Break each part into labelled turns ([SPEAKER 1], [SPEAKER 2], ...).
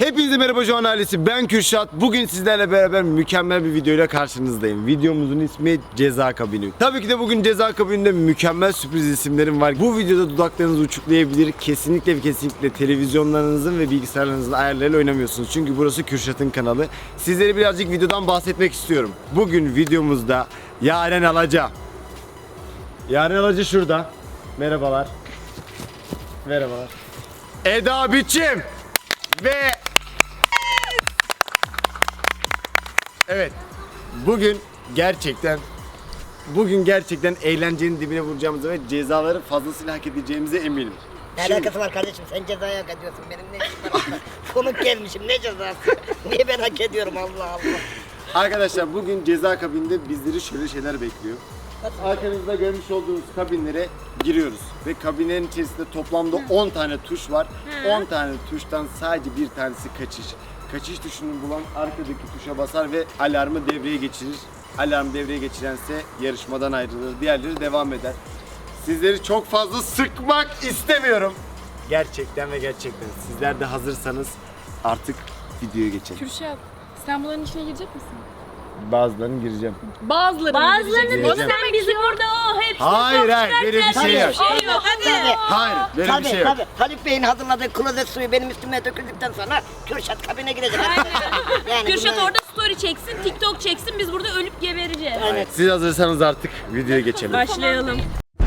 [SPEAKER 1] Hepinize merhaba Joan ailesi, ben Kürşat. Bugün sizlerle beraber mükemmel bir videoyla karşınızdayım. Videomuzun ismi Ceza Kabini. Tabii ki de bugün Ceza Kabini'nde mükemmel sürpriz isimlerim var. Bu videoda dudaklarınız uçuklayabilir. Kesinlikle ve kesinlikle televizyonlarınızın ve bilgisayarlarınızın ayarlarıyla oynamıyorsunuz. Çünkü burası Kürşat'ın kanalı. Sizlere birazcık videodan bahsetmek istiyorum. Bugün videomuzda Yaren Alaca. Yaren Alaca şurada. Merhabalar. Merhabalar. Eda Biçim. Ve evet, bugün gerçekten eğlencenin dibine vuracağımızı ve cezaları fazlasıyla hak edeceğimize eminim.
[SPEAKER 2] Ne alakası var kardeşim? Sen cezayı hak ediyorsun. Benim ne işim var? Konuk gelmişim. Ne cezası? Niye ben hak ediyorum? Allah Allah.
[SPEAKER 1] Arkadaşlar, bugün ceza kabininde bizleri şöyle şeyler bekliyor. Arkanızda görmüş olduğunuz kabinlere giriyoruz ve kabinlerin içerisinde toplamda 10 tane tuş var. 10 tane tuştan sadece bir tanesi kaçış. Kaçış tuşunu bulan arkadaki tuşa basar ve alarmı devreye geçirir. Alarm devreye geçirense yarışmadan ayrılır. Diğerleri devam eder. Sizleri çok fazla sıkmak istemiyorum. Gerçekten ve gerçekten. Sizler de hazırsanız artık videoya geçelim.
[SPEAKER 3] Kürşat, sen bunların içine girecek misin?
[SPEAKER 1] Bazılarını gireceğim.
[SPEAKER 3] Bazılarını
[SPEAKER 1] sen
[SPEAKER 3] bizi burada hepsi
[SPEAKER 1] Hayır, böyle bir şey yok.
[SPEAKER 2] Hadi.
[SPEAKER 1] Hayır, böyle bir şey yok.
[SPEAKER 2] Tabii. Haluk Bey'in hazırladığı klozet suyu benim üstüme döküldükten sonra Kürşat kabine girecek. Yani
[SPEAKER 4] Kürşat
[SPEAKER 2] bunlar-
[SPEAKER 4] orada story çeksin, TikTok çeksin, biz burada ölüp gebereceğiz.
[SPEAKER 2] Evet.
[SPEAKER 1] Siz hazırsanız artık videoya geçelim.
[SPEAKER 4] Başlayalım.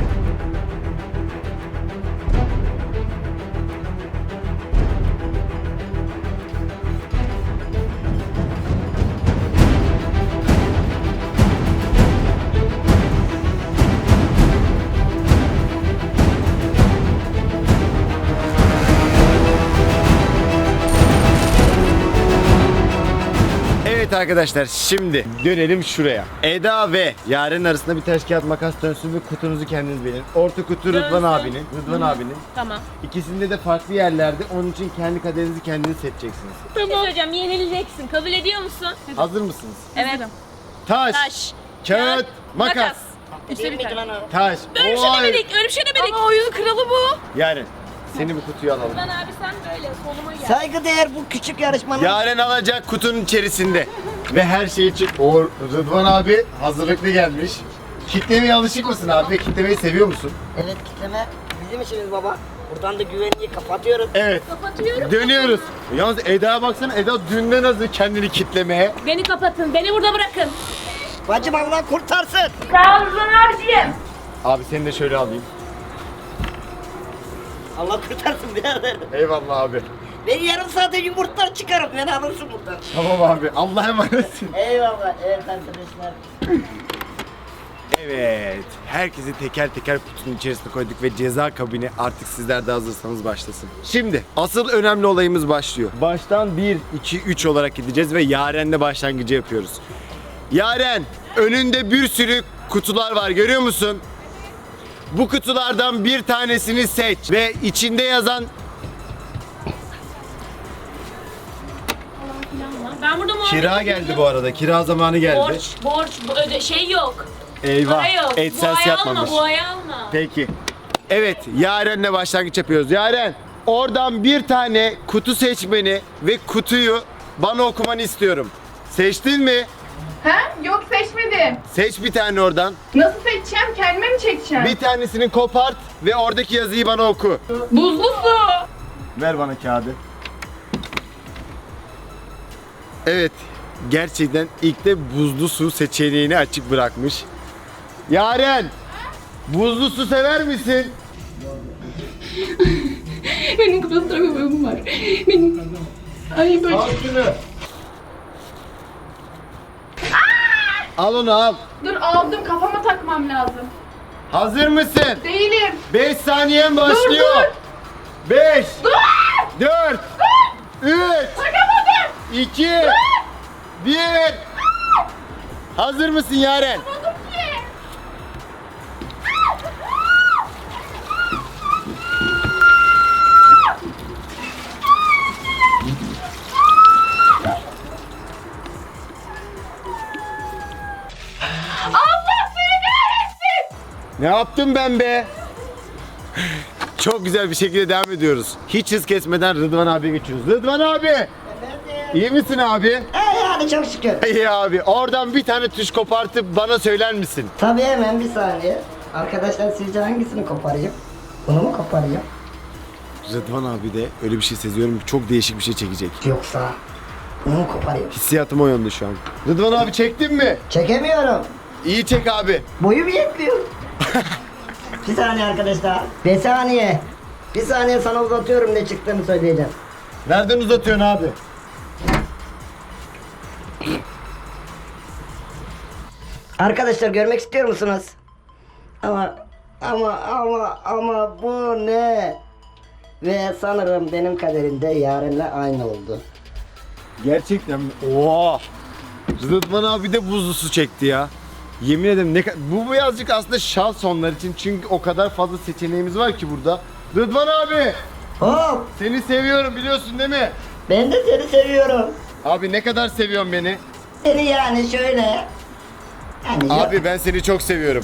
[SPEAKER 1] Evet arkadaşlar, şimdi dönelim şuraya. Eda ve Yaren arasında bir taş kağıt makas dönsün ve kutunuzu kendiniz belirleyin. Orta kutu Rıdvan abinin.
[SPEAKER 4] Tamam.
[SPEAKER 1] İkisinde de farklı yerlerde. Onun için kendi kaderinizi kendiniz seçeceksiniz.
[SPEAKER 4] Bir şey söyleyeceğim, yenileceksin. Kabul ediyor musun?
[SPEAKER 1] Hazır mısınız?
[SPEAKER 4] Evet.
[SPEAKER 1] Taş,
[SPEAKER 4] Taş,
[SPEAKER 1] kağıt, makas.
[SPEAKER 2] Değil miydi lan o?
[SPEAKER 1] Taş.
[SPEAKER 4] Öyle bir şey
[SPEAKER 1] Oy.
[SPEAKER 4] demedik, öyle bir şey demedik. Ama oyunun kralı bu.
[SPEAKER 1] Yaren, seni bu kutuya alalım.
[SPEAKER 4] Ben abi sen böyle soluma gel.
[SPEAKER 2] Saygıdeğer bu küçük yarışmanın
[SPEAKER 1] Yaren alacak kutunun içerisinde. Ve her şey için o Rıdvan abi hazırlıklı gelmiş. Kitlemeye alışık mısın abi? Kitlemeyi seviyor musun?
[SPEAKER 2] evet kitleme bizim işimiz baba. Buradan da güvenliği kapatıyoruz.
[SPEAKER 1] Evet.
[SPEAKER 4] Kapatıyorum.
[SPEAKER 1] Dönüyoruz. Yalnız Eda'ya baksana, Eda dünden hazır kendini kitlemeye.
[SPEAKER 4] Beni kapatın, beni burada bırakın.
[SPEAKER 2] Bacım Allah kurtarsın.
[SPEAKER 4] Sağ ol Rıdvan abiciğim.
[SPEAKER 1] Abi seni de şöyle alayım.
[SPEAKER 2] Allah kurtarsın birader.
[SPEAKER 1] Eyvallah abi.
[SPEAKER 2] Ben yarım saate yumurtlar çıkarım. Beni alırsın buradan.
[SPEAKER 1] Tamam abi. Allah'a emanetsin.
[SPEAKER 2] Eyvallah. Evet arkadaşlar.
[SPEAKER 1] Evet. Herkesi teker teker kutunun içerisine koyduk ve ceza kabini artık sizler de hazırsanız başlasın. Şimdi asıl önemli olayımız başlıyor. Baştan 1, 2, 3 olarak gideceğiz ve Yaren'le başlangıcı yapıyoruz. Yaren, önünde bir sürü kutular var, görüyor musun? Bu kutulardan bir tanesini seç ve içinde yazan
[SPEAKER 4] Ben burada muhabbet
[SPEAKER 1] kira geldi bu arada. Kira zamanı geldi.
[SPEAKER 4] Borç, şey yok.
[SPEAKER 1] Eyvah.
[SPEAKER 4] Para yok.
[SPEAKER 1] AdSense
[SPEAKER 4] bu
[SPEAKER 1] yapmamış.
[SPEAKER 4] Alma, bu ayı alma.
[SPEAKER 1] Peki. Evet, Yaren'le başlangıç yapıyoruz. Yaren, oradan bir tane kutu seçmeni ve kutuyu bana okumanı istiyorum. Seçtin mi?
[SPEAKER 3] Ha? Yok seçmedim.
[SPEAKER 1] Seç bir tane oradan.
[SPEAKER 3] Nasıl seçeceğim? Kendime mi çekeceğim?
[SPEAKER 1] Bir tanesini kopart ve oradaki yazıyı bana oku.
[SPEAKER 3] Buzlu su.
[SPEAKER 1] Ver bana kağıdı. Evet, gerçekten ilk de buzlu su seçeneğini açık bırakmış. Yaren, buzlu su sever misin?
[SPEAKER 3] Benim klostrofobim var. Benim... Ay böyle...
[SPEAKER 1] Al şunu. Al onu al.
[SPEAKER 3] Dur aldım kafama takmam lazım.
[SPEAKER 1] Hazır mısın?
[SPEAKER 3] Değilim.
[SPEAKER 1] 5 saniyen başlıyor. 5 4 3 2 1 Hazır mısın Yaren?
[SPEAKER 3] Allah seni kahretsin.
[SPEAKER 1] Ne yaptım ben be? Çok güzel bir şekilde devam ediyoruz. Hiç hız kesmeden Rıdvan abiye geçiyoruz. Rıdvan abi! İyi misin abi?
[SPEAKER 2] Yani çok şükür.
[SPEAKER 1] İyi abi. Oradan bir tane tuş kopartıp bana söyler misin?
[SPEAKER 2] Tabii hemen bir saniye. Arkadaşlar sizce hangisini koparayım? Bunu mu koparayım?
[SPEAKER 1] Rıdvan abi de öyle bir şey seziyorum. Çok değişik bir şey çekecek.
[SPEAKER 2] Yoksa bunu mu koparayım?
[SPEAKER 1] Hissiyatım o yönde şu an. Rıdvan abi çektin mi?
[SPEAKER 2] Çekemiyorum.
[SPEAKER 1] İyi çek abi.
[SPEAKER 2] Boyum yetmiyor. Bir saniye arkadaşlar. Bir saniye. Bir saniye sana uzatıyorum ne çıktığını söyleyeceğim.
[SPEAKER 1] Nereden uzatıyorsun abi?
[SPEAKER 2] Arkadaşlar görmek istiyor musunuz? Ama bu ne? Ve sanırım benim kaderimde Yaren'le aynı oldu.
[SPEAKER 1] Gerçekten mi? Oha! Rıdvan abi de buzlu su çekti ya. Yemin ederim bu birazcık aslında şans onlar için çünkü o kadar fazla seçeneğimiz var ki burada. Rıdvan abi!
[SPEAKER 2] Hop!
[SPEAKER 1] Seni seviyorum biliyorsun değil mi?
[SPEAKER 2] Ben de seni seviyorum.
[SPEAKER 1] Abi ne kadar seviyorsun beni?
[SPEAKER 2] Seni yani şöyle. Yani
[SPEAKER 1] Abi ben seni çok seviyorum.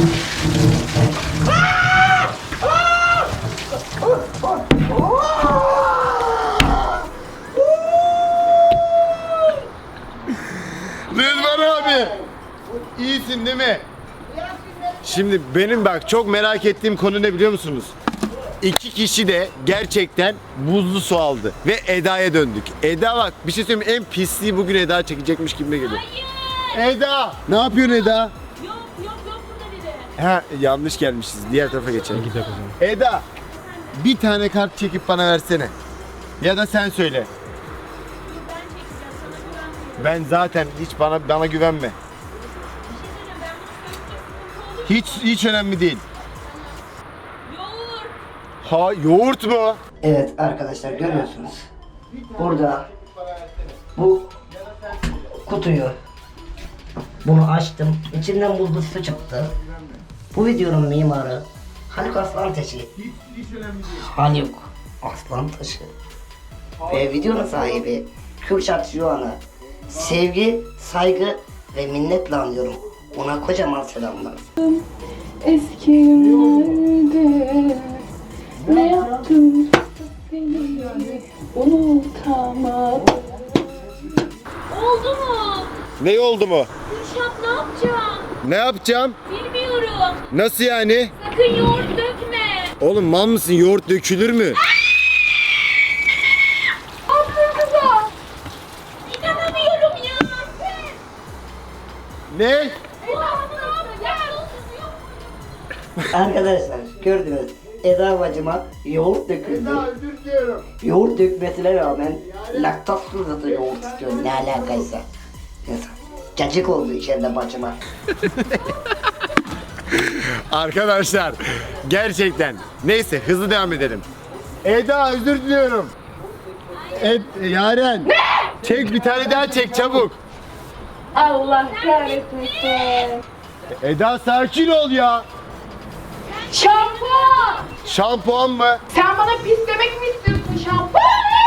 [SPEAKER 1] Rıdvan abi! İyisin değil mi? Şimdi benim bak çok merak ettiğim konu ne biliyor musunuz? İki kişi de gerçekten buzlu su aldı ve Eda'ya döndük. Eda bak bir şey söyleyeyim mi? En pisliği bugün Eda çekecekmiş gibi geliyor.
[SPEAKER 4] Hayır.
[SPEAKER 1] Eda! Ne yapıyorsun Eda?
[SPEAKER 4] Yok burada biri.
[SPEAKER 1] Ha yanlış gelmişiz. Diğer tarafa geçelim. Eda bir tane kart çekip bana versene. Ya da sen söyle.
[SPEAKER 4] Ben çekeceğim sana güvenmiyorum.
[SPEAKER 1] Ben zaten hiç bana güvenme.
[SPEAKER 4] Bir şey söyleyeceğim ben bunu söyleyince sıkıntı olur.
[SPEAKER 1] Hiç önemli değil.
[SPEAKER 4] Yoğurt.
[SPEAKER 1] Ha yoğurt mu?
[SPEAKER 2] Evet arkadaşlar görüyorsunuz. Burada bu kutuyu bunu açtım. İçinden buzlu su çıktı. Bu videonun mimarı Haluk Aslantaşı. Haluk Aslantaşı. Ve videonun sahibi Kürşat Juan'ı sevgi, saygı ve minnetle anıyorum. Ona kocaman selamlar.
[SPEAKER 3] Eski günlerde ne yaptım seni unutamadım.
[SPEAKER 4] Oldu mu?
[SPEAKER 1] Ne oldu mu?
[SPEAKER 4] Kürşat ne yapacağım?
[SPEAKER 1] Ne yapacağım?
[SPEAKER 4] Bilmiyorum.
[SPEAKER 1] Nasıl yani?
[SPEAKER 4] Sakın yoğurt dökme.
[SPEAKER 1] Oğlum mal mısın? Yoğurt dökülür mü?
[SPEAKER 4] Aferin kıza. İnanamıyorum ya.
[SPEAKER 1] Ne?
[SPEAKER 2] Arkadaşlar gördünüz. Eda bacıma yoğurt döküldü.
[SPEAKER 1] Özür diliyorum.
[SPEAKER 2] Yoğurt dökmesine rağmen laktozsuz da yoğurt istiyor. Ne alakaysa. Neyse. Cacık oldu içeride bacıma.
[SPEAKER 1] Arkadaşlar gerçekten. Neyse hızlı devam edelim. Eda özür diliyorum. Yaren. Çek bir tane daha çek çabuk.
[SPEAKER 3] Allah kahretmesin.
[SPEAKER 1] Eda sakin ol ya.
[SPEAKER 3] Şampuan!
[SPEAKER 1] Şampuan mı?
[SPEAKER 3] Sen bana pis demek mi istiyorsun şampuan?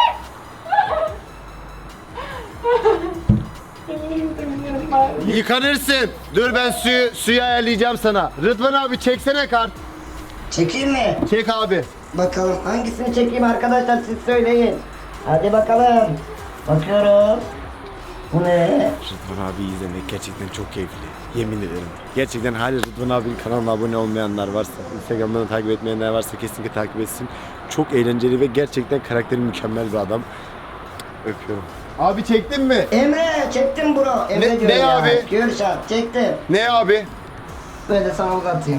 [SPEAKER 1] Yıkanırsın. Dur ben suyu ayarlayacağım sana. Rıdvan abi çeksene kart.
[SPEAKER 2] Çekeyim mi?
[SPEAKER 1] Çek abi.
[SPEAKER 2] Bakalım hangisini çekeyim arkadaşlar siz söyleyin. Hadi bakalım. Bakıyorum. Bu ne?
[SPEAKER 1] Rıdvan abi izlemek gerçekten çok keyifli. Yemin ederim. Gerçekten hala Rıdvan abinin kanalına abone olmayanlar varsa, Instagram'dan takip etmeyenler varsa kesinlikle takip etsin. Çok eğlenceli ve gerçekten karakteri mükemmel bir adam. Öpüyorum. Abi çektin mi?
[SPEAKER 2] Emre çektim bro. Emre
[SPEAKER 1] Ne-
[SPEAKER 2] diyorum
[SPEAKER 1] ne
[SPEAKER 2] ya.
[SPEAKER 1] abi?
[SPEAKER 2] Kürşat çektim.
[SPEAKER 1] Ne abi?
[SPEAKER 2] Böyle sana uzatayım.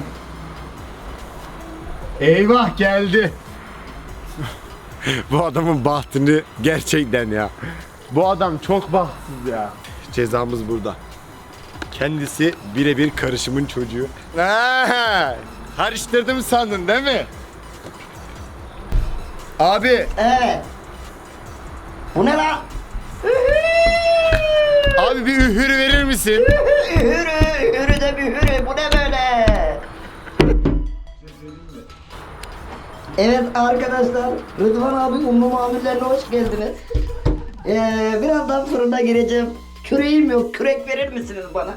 [SPEAKER 1] Eyvah geldi. Bu adamın bahtını gerçekten ya. Bu adam çok bahtsız ya. Cezamız burada. Kendisi birebir karışımın çocuğu. Karıştırdım sandın değil mi? Abi,
[SPEAKER 2] Evet. Bu ne lan?
[SPEAKER 1] abi bir ühürü verir misin?
[SPEAKER 2] Hürü de bir hürü. Bu ne böyle? Evet arkadaşlar, Rıdvan abi unlu mamullerine hoş geldiniz. Birazdan fırına gireceğim. Küreğim yok, kürek verir misiniz bana?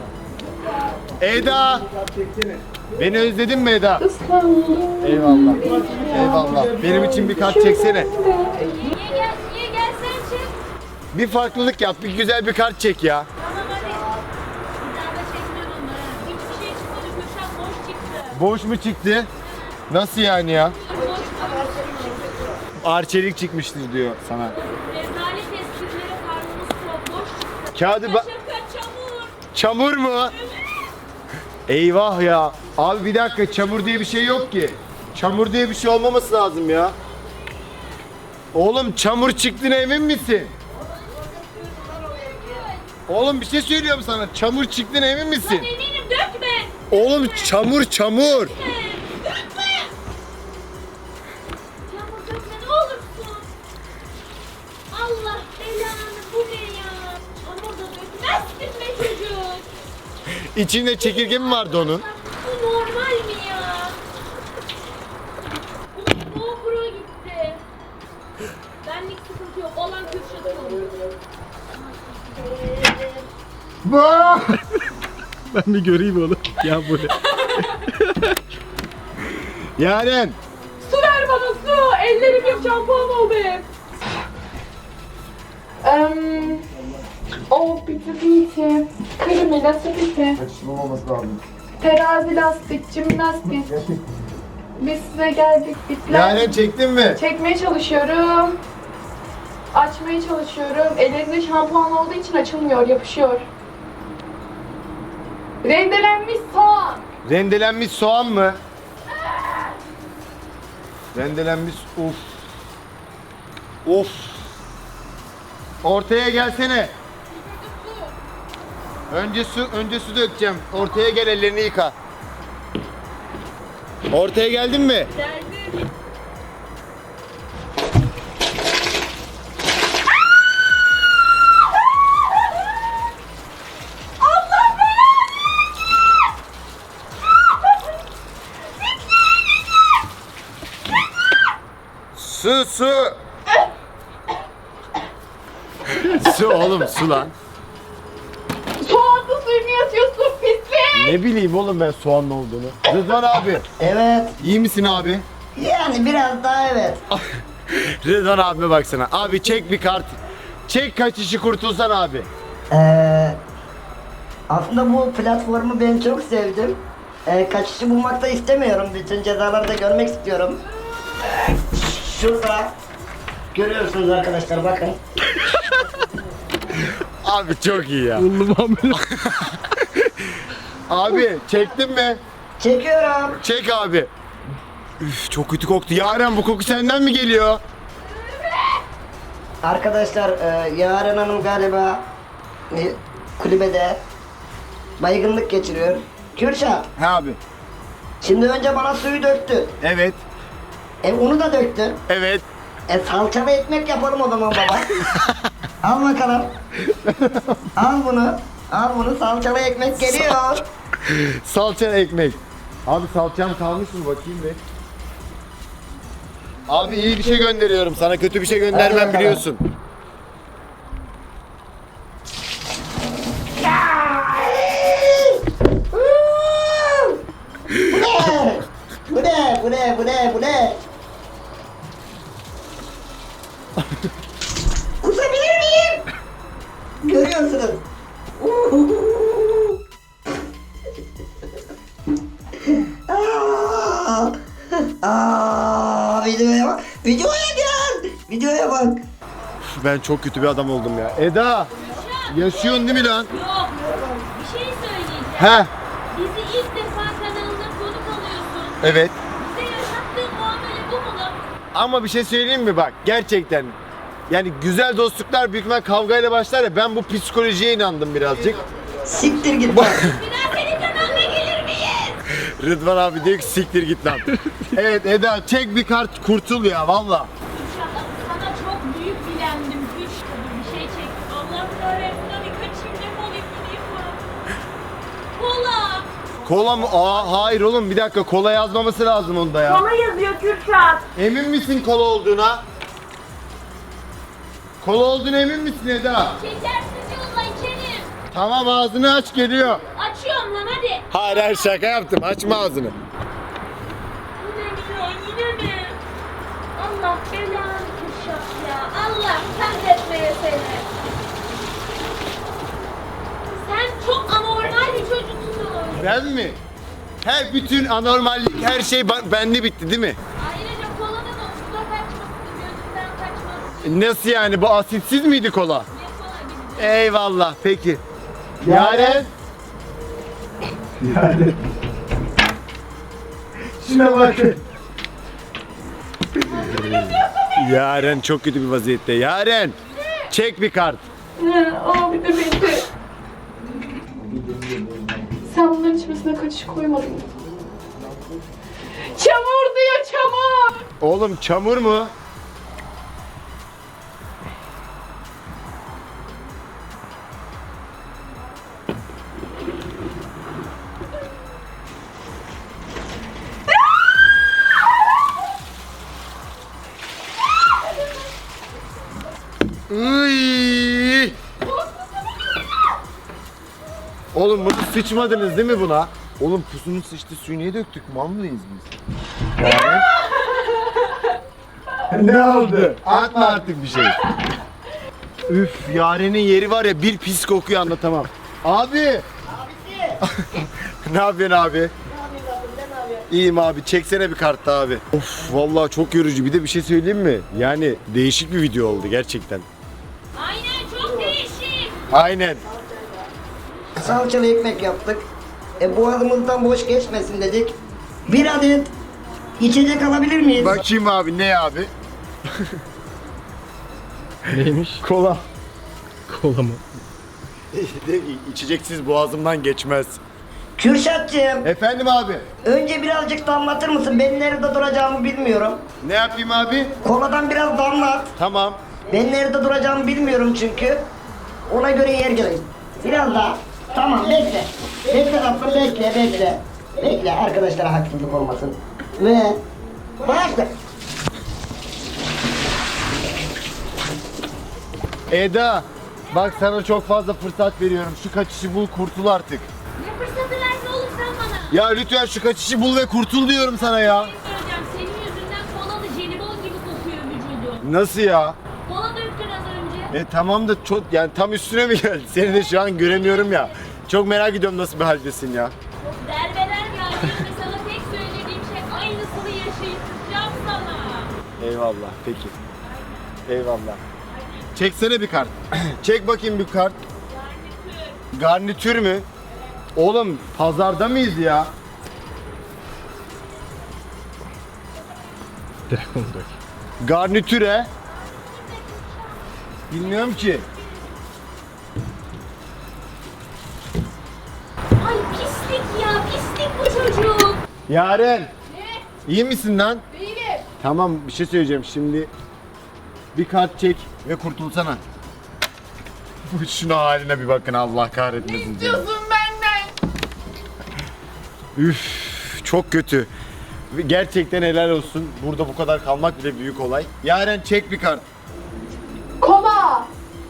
[SPEAKER 1] Eda! Beni özledin mi Eda?
[SPEAKER 3] Islandım.
[SPEAKER 1] Eyvallah. Eyvallah. Benim için bir kart çeksene.
[SPEAKER 4] Niye gel sen
[SPEAKER 1] Bir farklılık yap, bir güzel bir kart çek ya.
[SPEAKER 4] Tamam hadi. Bir daha da çekmiyorum onları. Hiçbir şey çıkmadı. Kürşat boş çıktı.
[SPEAKER 1] Boş mu çıktı? Nasıl yani ya?
[SPEAKER 4] Boş
[SPEAKER 1] Arçelik çıkmıştır diyor sana.
[SPEAKER 4] Rezalet esprilere karnımız çok boş çıktı.
[SPEAKER 1] Kağıdı
[SPEAKER 4] Şaka çamur.
[SPEAKER 1] Çamur mu? Eyvah ya. Abi bir dakika, çamur diye bir şey yok ki. Çamur diye bir şey olmaması lazım ya. Oğlum çamur çıktığına emin misin? Oğlum bir şey söylüyorum sana. Çamur çıktığına emin misin?
[SPEAKER 4] Eminim dökme.
[SPEAKER 1] Oğlum çamur çamur.
[SPEAKER 4] Dökme. Yağmur dökme ne olursun. Allah belanı bu ne ya? Çamur da dökmezsin be çocuk.
[SPEAKER 1] İçinde çekirge mi vardı onun?
[SPEAKER 4] Bu normal mi ya? Bu GoPro gitti. Benlik sıkıntı yok. Olan Kürşat'ın.
[SPEAKER 1] Ben bir göreyim onu. Ya bu ne? Yaren.
[SPEAKER 3] Su ver bana su. Ellerim hep şampuan oldu hep. Bitte bitte. Kırmızı bitte.
[SPEAKER 1] Olmaması lazım.
[SPEAKER 3] Terazi lastik, jimnastik. Biz size geldik. Bitler.
[SPEAKER 1] Yaren çektin mi?
[SPEAKER 3] Çekmeye çalışıyorum. Açmaya çalışıyorum. Elinizde şampuan olduğu için açılmıyor, yapışıyor. Rendelenmiş soğan.
[SPEAKER 1] Rendelenmiş soğan mı? Rendelenmiş of. Of. Ortaya gelsene. Önce su dökeceğim. Ortaya gel, ellerini yıka. Ortaya geldin mi?
[SPEAKER 4] Geldim.
[SPEAKER 1] Su. Su oğlum, su lan.
[SPEAKER 3] Soğanlı suyunu yatıyorsun pislik.
[SPEAKER 1] Ne bileyim oğlum ben soğanlı olduğunu. Rıdvan abi,
[SPEAKER 2] Evet.
[SPEAKER 1] iyi misin abi?
[SPEAKER 2] Yani biraz daha evet.
[SPEAKER 1] Rıdvan abime baksana. Abi çek bir kart. Çek, kaç işi kurtulsan abi.
[SPEAKER 2] Aslında bu platformu ben çok sevdim. Kaçışı bulmak da istemiyorum. Bütün cezaları da görmek istiyorum. Şurada görüyorsunuz arkadaşlar, bakın.
[SPEAKER 1] Abi çok iyi ya. Abi çektin mi?
[SPEAKER 2] Çekiyorum.
[SPEAKER 1] Çek abi. Üf, çok kötü koktu. Yaren, bu koku senden mi geliyor?
[SPEAKER 2] Arkadaşlar Yaren Hanım galiba kulübede baygınlık geçiriyor. Kürşat,
[SPEAKER 1] He abi.
[SPEAKER 2] şimdi önce bana suyu döktü.
[SPEAKER 1] Evet.
[SPEAKER 2] Unu da döktü.
[SPEAKER 1] Evet.
[SPEAKER 2] Salçalı ekmek yapalım o zaman baba. Al bakalım. Al bunu. Al bunu, salçalı ekmek geliyor.
[SPEAKER 1] Salça ekmek. Abi salçam kalmış mı, bakayım bir. Abi iyi bir şey gönderiyorum sana, kötü bir şey
[SPEAKER 2] Hadi
[SPEAKER 1] göndermem
[SPEAKER 2] bakalım.
[SPEAKER 1] biliyorsun.
[SPEAKER 2] Bu ne? Bu ne? Bu ne? Bu ne? Kusabilir miyim? Görüyorsunuz. Videoya bak. Videoya gel. Videoya bak.
[SPEAKER 1] Ben çok kötü bir adam oldum ya. Eda, yaşıyorsun değil mi lan?
[SPEAKER 4] Yok. Bir şey söyleyeceğim.
[SPEAKER 1] He.
[SPEAKER 4] Bizi ilk defa kanalında konuk alıyorsun.
[SPEAKER 1] Evet.
[SPEAKER 4] Bize yaşattığın muamele bu mu lan?
[SPEAKER 1] Ama bir şey söyleyeyim mi bak, gerçekten. Yani güzel dostluklar büyük ihtimal kavgayla başlar ya, ben bu psikolojiye inandım birazcık.
[SPEAKER 2] Siktir git bak.
[SPEAKER 4] Bir daha senin kanalına gelir miyiz?
[SPEAKER 1] Rıdvan abi diyor ki siktir git lan. Evet Eda, çek bir kart, kurtul ya valla.
[SPEAKER 4] İnşallah sana çok büyük bilendim. 3 tabi bir şey çek. Allah kahretsin hadi kaçayım defolayım gideyim ben. Kola.
[SPEAKER 1] Kola mı? Aa hayır oğlum, bir dakika, kola yazmaması lazım onda ya.
[SPEAKER 4] Kola yazıyor Kürşat.
[SPEAKER 1] Emin misin kola olduğuna? Kola olduğuna emin misin Eda?
[SPEAKER 4] Şekersiz yolla içerim.
[SPEAKER 1] Tamam, ağzını aç, geliyor.
[SPEAKER 4] Açıyorum lan hadi.
[SPEAKER 1] Hayır hayır, şaka yaptım, açma ağzını.
[SPEAKER 4] Yine mi ya yine mi? Allah belanı Kürşat ya. Allah kahretmeyesin.
[SPEAKER 1] Ben mi? He, bütün anormallik, her şey bende bitti değil mi?
[SPEAKER 4] Ayrıca kolanın omzuna kaçmasın, gözünden kaçmasın.
[SPEAKER 1] Nasıl yani, bu asitsiz miydi kola?
[SPEAKER 4] Ne kola gibi.
[SPEAKER 1] Eyvallah, peki. Yaren. Yaren. Şuna bakın. Yaren çok kötü bir vaziyette. Yaren. Çek bir kart.
[SPEAKER 3] Abi de beni. Sen bunların içmesine kaçış koymadın mı? Çamur diyor, çamur.
[SPEAKER 1] Oğlum çamur mu? Iy! Oğlum bunu sıçmadınız değil mi buna? Oğlum pusunun sıçtı suyu niye döktük? Mal mıyız biz? Ne oldu? Atma artık bir şey. Üf, Yaren'in yeri var ya, bir pis kokuyu anlatamam. Abi!
[SPEAKER 2] Abisi.
[SPEAKER 1] Ne yapıyorsun abi? İyiyim abi, çeksene bir kart daha abi. Of, vallahi çok yorucu. Bir de bir şey söyleyeyim mi? Yani değişik bir video oldu gerçekten.
[SPEAKER 4] Aynen, çok değişik.
[SPEAKER 1] Aynen.
[SPEAKER 2] Salçalı ekmek yaptık. Boğazımızdan boş geçmesin dedik. Bir adet içecek alabilir miyiz?
[SPEAKER 1] Bakayım abi, ne abi?
[SPEAKER 5] Neymiş?
[SPEAKER 1] Kola.
[SPEAKER 5] Kola mı?
[SPEAKER 1] İçeceksiz boğazımdan geçmez.
[SPEAKER 2] Kürşatcığım,
[SPEAKER 1] Efendim abi?
[SPEAKER 2] önce birazcık damlatır mısın? Ben nerede duracağımı bilmiyorum.
[SPEAKER 1] Ne yapayım abi?
[SPEAKER 2] Koladan biraz damlat.
[SPEAKER 1] Tamam.
[SPEAKER 2] Ben nerede duracağımı bilmiyorum çünkü. Ona göre yer geleyim. Biraz daha. Tamam, bekle. Bekle tatlım, bekle. Bekle, arkadaşlara haksızlık olmasın. Ve başla.
[SPEAKER 1] Eda, bak sana çok fazla fırsat veriyorum. Şu kaçışı bul, kurtul artık.
[SPEAKER 4] Ne fırsatı verdin oğlum sen bana?
[SPEAKER 1] Ya lütfen şu kaçışı bul ve kurtul diyorum sana ya.
[SPEAKER 4] Söyleyeceğim, senin yüzünden kolalı jelibon gibi kokuyor vücudum.
[SPEAKER 1] Nasıl ya?
[SPEAKER 4] Kola döktün az önce.
[SPEAKER 1] Tamam da çok, yani tam üstüne mi geldi? Seni de şu an göremiyorum ya. Çok merak ediyorum nasıl bir haldesin ya.
[SPEAKER 4] Derbeler geldi ve sana tek söylediğim şey aynısını yaşayacağım sana.
[SPEAKER 1] Eyvallah, peki. Eyvallah. Çeksene bir kart. Çek bakayım bir kart. Garnitür mü? Oğlum pazarda mıyız ya?
[SPEAKER 5] Direkt onu dök.
[SPEAKER 1] Garnitüre. Bilmiyorum ki.
[SPEAKER 4] Ay pislik ya, pislik bu çocuk.
[SPEAKER 1] Yaren.
[SPEAKER 3] Ne?
[SPEAKER 1] İyi misin lan?
[SPEAKER 3] Değilim.
[SPEAKER 1] Tamam, bir şey söyleyeceğim şimdi. Bir kart çek ve kurtulsana. Şuna haline bir bakın, Allah kahretmesin seni.
[SPEAKER 3] İstiyorsun benden.
[SPEAKER 1] Üf, çok kötü. Gerçekten helal olsun. Burada bu kadar kalmak bile büyük olay. Yaren çek bir kart.
[SPEAKER 3] Kola.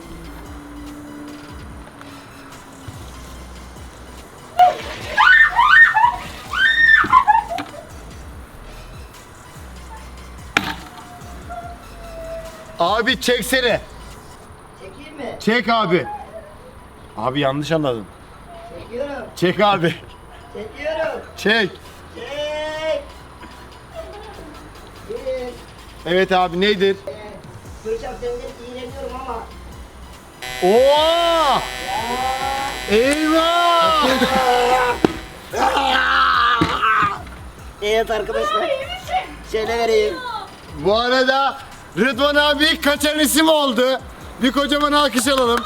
[SPEAKER 1] Abi çeksene.
[SPEAKER 2] Çekeyim mi?
[SPEAKER 1] Çek abi. Abi yanlış anladın.
[SPEAKER 2] Çekiyorum.
[SPEAKER 1] Çek abi.
[SPEAKER 2] Çekiyorum.
[SPEAKER 1] Çek.
[SPEAKER 2] Çek. Bir.
[SPEAKER 1] Evet abi, nedir?
[SPEAKER 2] Kürşat senden iğreniyorum ama.
[SPEAKER 1] Oo! Eyvah!
[SPEAKER 2] Evet arkadaşlar. Şöyle vereyim.
[SPEAKER 1] Bu arada Rıdvan abi kaçan isim oldu. Bir kocaman alkış alalım.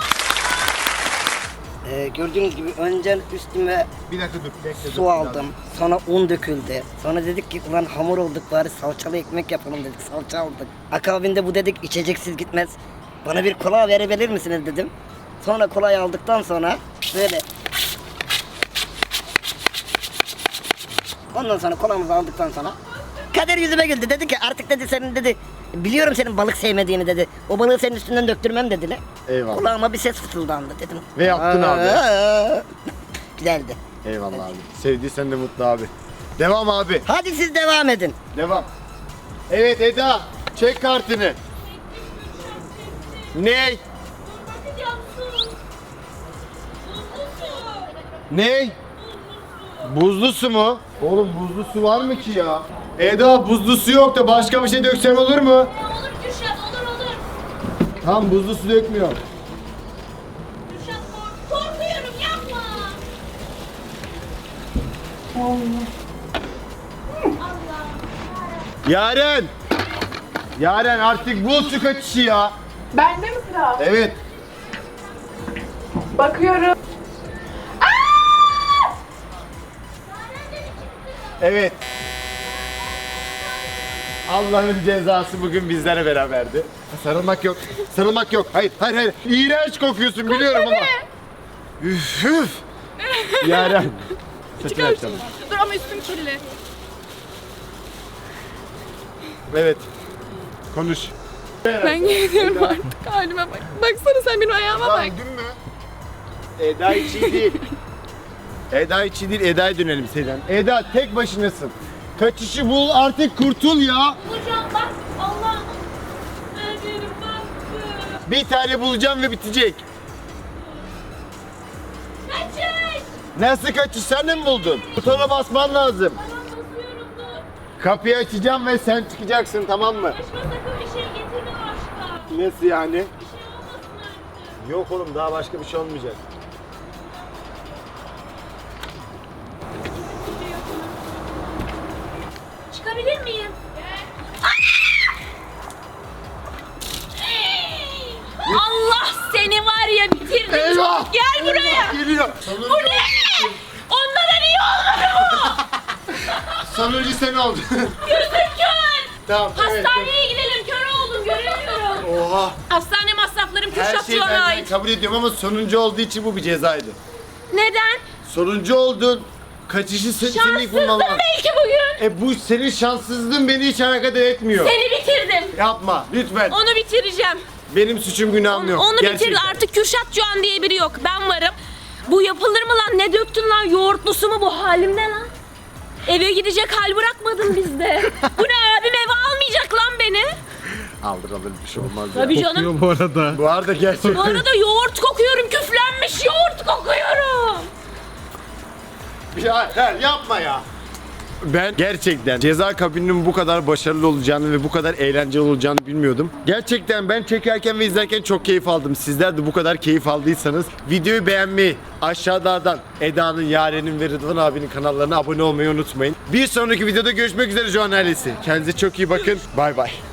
[SPEAKER 2] Gördüğünüz gibi önce üstüme
[SPEAKER 1] Bir dakika dur. Bekle,
[SPEAKER 2] su aldım. Sonra un döküldü. Sonra dedik ki ulan hamur olduk, bari salçalı ekmek yapalım dedik. Salça aldık. Akabinde bu dedik içeceksiz gitmez. Bana bir kola verebilir misiniz dedim. Sonra kolayı aldıktan sonra böyle. Ondan sonra kolamızı aldıktan sonra Kader yüzüme güldü. Dedi ki artık dedi senin dedi, biliyorum senin balık sevmediğini dedi. O balığı senin üstünden döktürmem dediler.
[SPEAKER 1] Eyvallah.
[SPEAKER 2] Kulağıma bir ses fısıldandı dedim.
[SPEAKER 1] Ve yaptın abi.
[SPEAKER 2] Güzeldi.
[SPEAKER 1] Eyvallah abi. Sevdiysen de mutlu abi. Devam abi.
[SPEAKER 2] Hadi siz devam edin.
[SPEAKER 1] Devam. Evet Eda. Çek kartını. Ne?
[SPEAKER 4] Bakacağım su. Buzlu su.
[SPEAKER 1] Ne? Buzlu su mu? Oğlum buzlu su var mı ki ya? Eda buzlu su yok da başka bir şey döksem olur mu?
[SPEAKER 4] Olur Kürşat, olur.
[SPEAKER 1] Tamam buzlu su dökmüyor.
[SPEAKER 4] Kürşat korkuyorum, yapma.
[SPEAKER 1] Yaren! Yaren artık bul su kaçışı ya.
[SPEAKER 3] Bende mi sıra?
[SPEAKER 1] Evet.
[SPEAKER 3] Bakıyorum.
[SPEAKER 1] Evet. Allah'ın cezası bugün bizlere beraberdi. Sarılmak yok. Sarılmak yok. Hayır. İğrenç kokuyorsun biliyorum ama. Üf üf. Yaren. Saçını açalım.
[SPEAKER 3] Dur ama üstüm kirli.
[SPEAKER 1] Evet. Konuş.
[SPEAKER 3] Ben geliyorum artık halime bak. Baksana sen benim ayağıma bak.
[SPEAKER 1] Dün mü? Eda hiç iyi değil. Eda hiç iyi değil. Eda'ya dönelim Seyden. Eda tek başınasın. Kaçışı bul artık kurtul ya.
[SPEAKER 4] Hocam bak, Allah'ım. Öldürüm baktı.
[SPEAKER 1] Bir tane bulacağım ve bitecek.
[SPEAKER 4] Kaçış.
[SPEAKER 1] Nasıl kaçış? Sen de mi buldun? Butona basman lazım.
[SPEAKER 4] Tamam, basıyorum, dur.
[SPEAKER 1] Kapıyı açacağım ve sen çıkacaksın, tamam mı?
[SPEAKER 4] Başıma sakın bir şey getirme başka.
[SPEAKER 1] Nasıl yani?
[SPEAKER 4] Bir şey olmasın artık.
[SPEAKER 1] Yok oğlum daha başka bir şey olmayacak.
[SPEAKER 4] Çıkabilir miyim? Allah seni var ya, bitirdim.
[SPEAKER 1] Eyvah!
[SPEAKER 4] Gel buraya.
[SPEAKER 1] Geliyor.
[SPEAKER 4] Bu ne? Onlara niye olmadı bu?
[SPEAKER 1] Sonuncu sen oldun.
[SPEAKER 4] Gözüm kör.
[SPEAKER 1] Tamam. evet.
[SPEAKER 4] Hastaneye gidelim, kör oldum, göremiyorum.
[SPEAKER 1] Oha.
[SPEAKER 4] Hastane masraflarım
[SPEAKER 1] Her
[SPEAKER 4] Kürşat
[SPEAKER 1] şeyi
[SPEAKER 4] Doğan'a
[SPEAKER 1] ben
[SPEAKER 4] ait.
[SPEAKER 1] kabul ediyorum ama sonuncu olduğu için bu bir cezaydı.
[SPEAKER 4] Neden?
[SPEAKER 1] Sonuncu oldun. Kaçışı senin ilk
[SPEAKER 4] Şanssızdım
[SPEAKER 1] bulman lazım.
[SPEAKER 4] belki bugün.
[SPEAKER 1] Bu senin şanssızlığın beni hiç alakadar etmiyor.
[SPEAKER 4] Seni bitirdim.
[SPEAKER 1] Yapma lütfen.
[SPEAKER 4] Onu bitireceğim.
[SPEAKER 1] Benim suçum günahım yok.
[SPEAKER 4] Onu
[SPEAKER 1] Gerçekten.
[SPEAKER 4] bitir, artık Kürşat Doğan diye biri yok. Ben varım. Bu yapılır mı lan? Ne döktün lan? Yoğurtlusu mu bu? Halimde lan. Eve gidecek hal bırakmadın bizde. Bu ne, abim eve almayacak lan beni.
[SPEAKER 1] Alır bir şey olmaz ya.
[SPEAKER 4] Tabii canım.
[SPEAKER 5] Kokuyor bu arada.
[SPEAKER 1] Bu arada gerçekten.
[SPEAKER 4] Bu arada yoğurt kokuyorum. Küflenmiş yoğurt kokuyorum.
[SPEAKER 1] Hayır, yapma ya. Ben gerçekten ceza kabininin bu kadar başarılı olacağını ve bu kadar eğlenceli olacağını bilmiyordum. Gerçekten ben çekerken ve izlerken çok keyif aldım. Sizler de bu kadar keyif aldıysanız videoyu beğenmeyi, aşağıdan Eda'nın, Yaren'in ve Rıdvan abinin kanallarına abone olmayı unutmayın. Bir sonraki videoda görüşmek üzere Joan ailesi. Kendinize çok iyi bakın. Bay bay.